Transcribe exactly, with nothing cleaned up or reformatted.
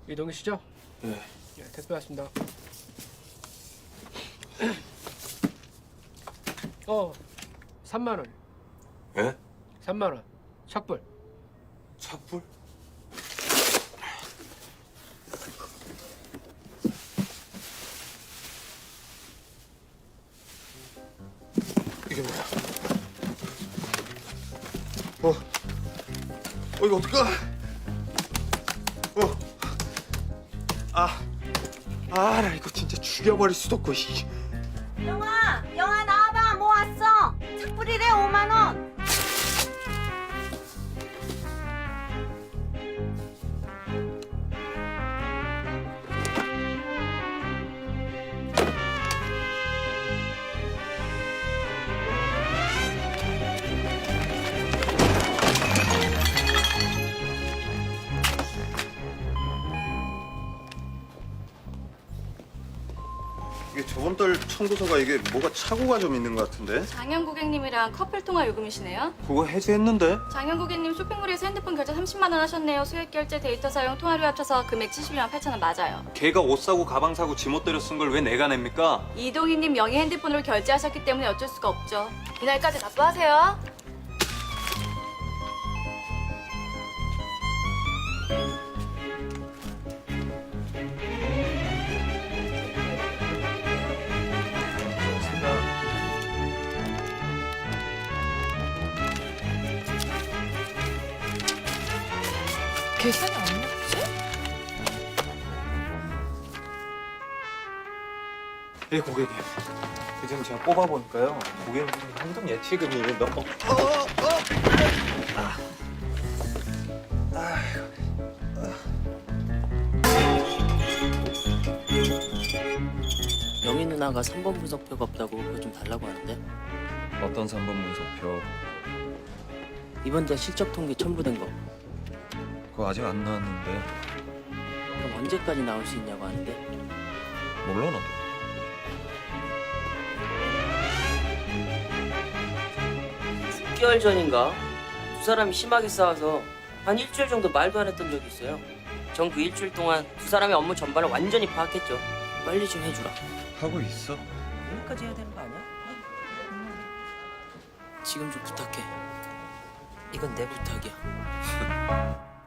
이동이시죠? 네. 네, 택배 왔습니다. 어, 삼만 원. 예? 삼만 원. 착불. 착불? 이게 뭐야? 어? 어 이거 어떡하? 어? 아, 아, 나 이거 진짜 죽여버릴 수도 없고. 이. 영아, 영아 나와봐. 뭐 왔어? 착불이래 오만 원. 이게 저번 달 청구서가 이게 뭐가 착오가 좀 있는 것 같은데? 장현 고객님이랑 커플 통화 요금이시네요. 그거 해지했는데? 장현 고객님 쇼핑몰에서 핸드폰 결제 삼십만 원 하셨네요. 소액 결제, 데이터 사용, 통화료 합쳐서 금액 칠십이만 팔천 원 맞아요. 걔가 옷 사고 가방 사고 지못 때려 쓴 걸 왜 내가 냅니까? 이동희님 명의 핸드폰으로 결제하셨기 때문에 어쩔 수가 없죠. 이날까지 납부하세요. 계산이 안 맞지? 예, 고객님. 그전 제가 뽑아보니까요. 고객님 현금 예치금이 몇 번. 어, 어, 어. 아. 아휴. 영희 누나가 삼 번 분석표가 없다고 그거 좀 달라고 하는데 어떤 삼 번 문서표? 이번 달 실적 통계 첨부된 거 그거 아직 안 나왔는데. 그럼 언제까지 나올 수 있냐고 하는데 몰라 나도. 육 개월 전인가 두 사람이 심하게 싸워서 한 일주일 정도 말도 안 했던 적이 있어요. 전 그 일주일 동안 두 사람의 업무 전반을 완전히 파악했죠. 빨리 좀 해주라. 하고 있어. 여기까지 해야 되는 거 아니야? 지금 좀 부탁해. 이건 내 부탁이야.